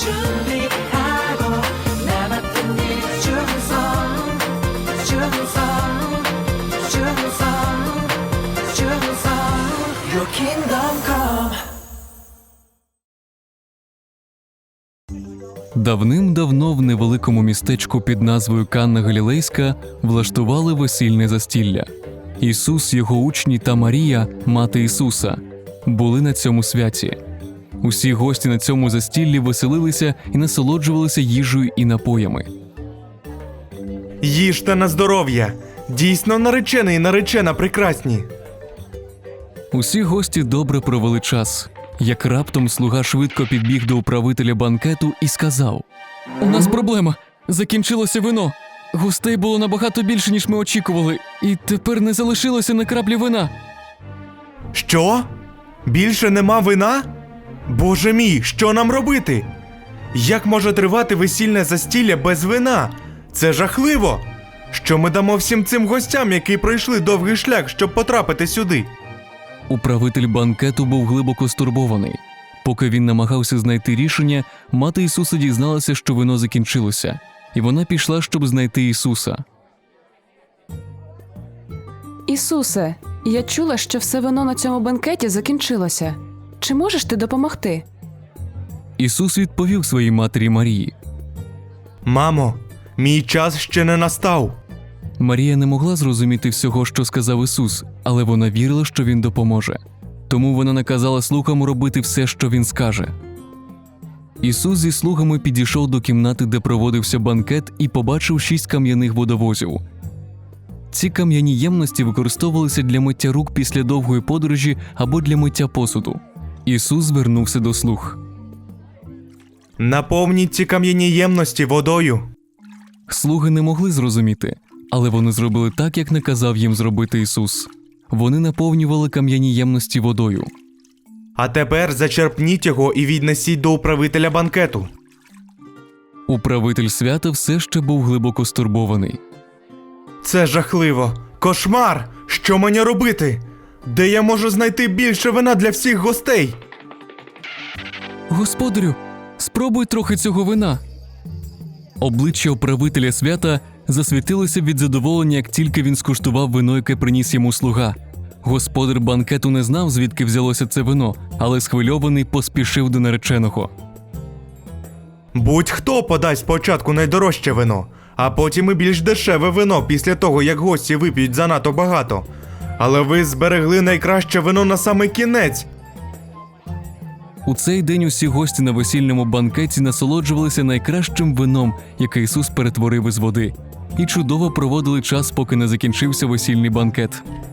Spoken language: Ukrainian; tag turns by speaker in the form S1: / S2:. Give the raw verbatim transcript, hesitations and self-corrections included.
S1: 준비하고 나 맡은 일 충성 충성 충성 충성 Your kingdom come.
S2: Давним-давно в невеликому містечку під назвою Канна Галілейська влаштували весільне застілля. Ісус, його учні та Марія, мати Ісуса, були на цьому святі. Усі гості на цьому застіллі веселилися і насолоджувалися їжею і напоями.
S3: Їжте на здоров'я! Дійсно наречений і наречена прекрасні!
S2: Усі гості добре провели час, як раптом слуга швидко підбіг до управителя банкету і сказав: «У нас проблема. Закінчилося вино. Гостей було набагато більше, ніж ми очікували, і тепер не залишилося на краплі вина».
S3: Що? Більше нема вина? Боже мій, що нам робити? Як може тривати весільне застілля без вина? Це жахливо! Що ми дамо всім цим гостям, які пройшли довгий шлях, щоб потрапити сюди?
S2: Управитель банкету був глибоко стурбований. Поки він намагався знайти рішення, мати Ісуса дізналася, що вино закінчилося, і вона пішла, щоб знайти Ісуса.
S4: Ісусе, я чула, що все вино на цьому бенкеті закінчилося. Чи можеш ти допомогти?
S2: Ісус відповів своїй матері Марії.
S3: Мамо, мій час ще не настав.
S2: Марія не могла зрозуміти всього, що сказав Ісус, але вона вірила, що Він допоможе. Тому вона наказала слугам робити все, що Він скаже. Ісус зі слугами підійшов до кімнати, де проводився банкет, і побачив шість кам'яних водовозів. Ці кам'яні ємності використовувалися для миття рук після довгої подорожі або для миття посуду. Ісус звернувся до слуг.
S3: Наповніть ці кам'яні ємності водою.
S2: Слуги не могли зрозуміти, але вони зробили так, як наказав їм зробити Ісус. Вони наповнювали кам'яні ємності водою.
S3: А тепер зачерпніть його і віднесіть до управителя банкету.
S2: Управитель свята все ще був глибоко стурбований.
S3: Це жахливо! Кошмар! Що мені робити? Де я можу знайти більше вина для всіх гостей?
S2: «Господарю, спробуй трохи цього вина». Обличчя управителя свята засвітилося від задоволення, як тільки він скуштував вино, яке приніс йому слуга. Господар банкету не знав, звідки взялося це вино, але схвильований поспішив до нареченого.
S3: Будь-хто подасть спочатку найдорожче вино, а потім і більш дешеве вино після того, як гості вип'ють занадто багато. Але ви зберегли найкраще вино на самий кінець.
S2: У цей день усі гості на весільному банкеті насолоджувалися найкращим вином, яке Ісус перетворив із води, і чудово проводили час, поки не закінчився весільний банкет.